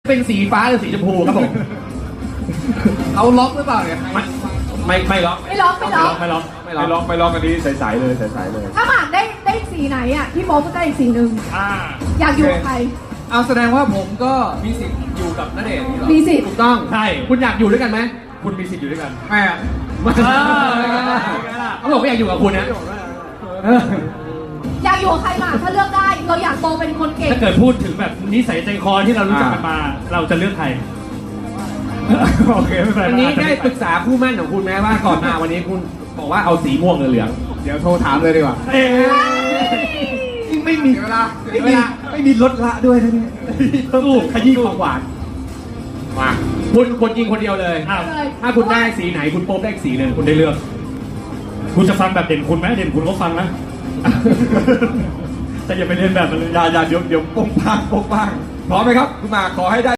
เป็นสีฟ้าหรือสีชมพูครับผมเขาล็อกหรือเปล่าเนี่ยไม่ล็อกไม่ล็อกไม่ล็อกอันนี้ใสๆเลยใสๆเลยถ้าหมากได้สีไหนอ่ะพี่โมก็ได้อีกสีหนึ่งอ่าอยากอยู่กับใครเอาแสดงว่าผมก็มีสิทธิ์อยู่กับณเดชน์นี่เหรอมีสิทธิ์ถูกต้องใช่คุณอยากอยู่ด้วยกันไหมคุณมีสิทธิ์อยู่ด้วยกันไม่อะเขาบอกว่าอยากอยู่กับคุณนะอยากอยู่กับใครหมากถ้าเลือกได้ เราอยากโตเป็นคนเก่งถ้าเกิดพูดถึงแบบนิสัยใจคอที่เรารู้จักกันมา เราจะเลือกใคร โอเคไม่เป็นไรอันนี้ได้ปรึกษาคู่หมั่นของคุณไหมว่าก่อนมาวันนี้คุณบอกว่าเอาสีม่วงหรือเหลืองเดี๋ยวโทรถามเลยดีกว่าเอ๊ะไม่มีเวลาไม่มีลดละด้วยนะเนี่ยสู้ขยี้ความหวานมาคุณคนยิงคนเดียวเลยอ้าวถ้าคุณได้สีไหนคุณโป๊บได้อีกสีหนึ่งคุณได้เลือก คุณจะฟังแบบเด่นคุณไหมเด่นคุณก็ฟังนะ แต่อย่าไปเรียนแบบมันเลยอย่าเดี๋ยวโป้งป้างพร้อมไหมครับคุณหมากขอให้ได้